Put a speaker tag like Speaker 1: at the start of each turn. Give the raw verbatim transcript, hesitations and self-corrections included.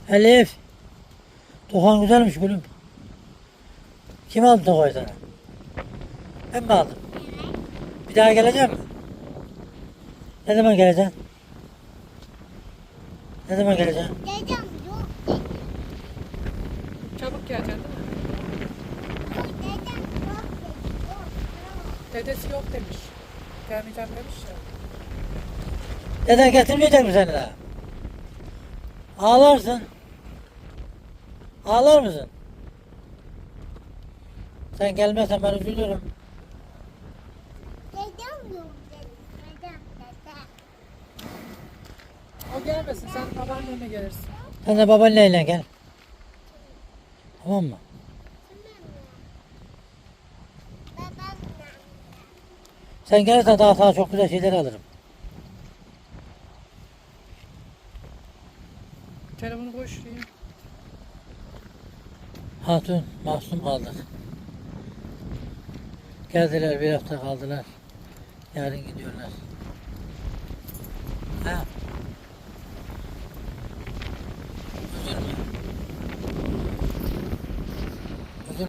Speaker 1: Elif. Tokan güzelmiş gülüm. Kim aldı Tokay'ı sana? Ben mi aldım? Bir daha geleceğim mi? Ne zaman geleceksin? Ne zaman geleceksin?
Speaker 2: Dedem yok dedi.
Speaker 3: Çabuk geleceksin değil mi?
Speaker 2: Dedem yok dedi. Yok, yok.
Speaker 3: Dedesi yok demiş. Gelmeyeceğim demiş ya.
Speaker 1: Neden getirmeyecek mi seni daha? Ağlarsın. Ağlar mısın? Sen gelmezsen ben üzülürüm.
Speaker 2: Dedem yok dedi. Dedem, dedem.
Speaker 3: O gelmesin, sen babaannenle gelirsin.
Speaker 1: Sen de babaanneyle gel. Tamam mı?
Speaker 2: Babamla.
Speaker 1: Sen gelirsen daha sana çok güzel şeyler alırım.
Speaker 3: Telefonu koy şuraya.
Speaker 1: Hatun, mahzun kaldık. Geldiler, bir hafta kaldılar. Yarın gidiyorlar. Ha,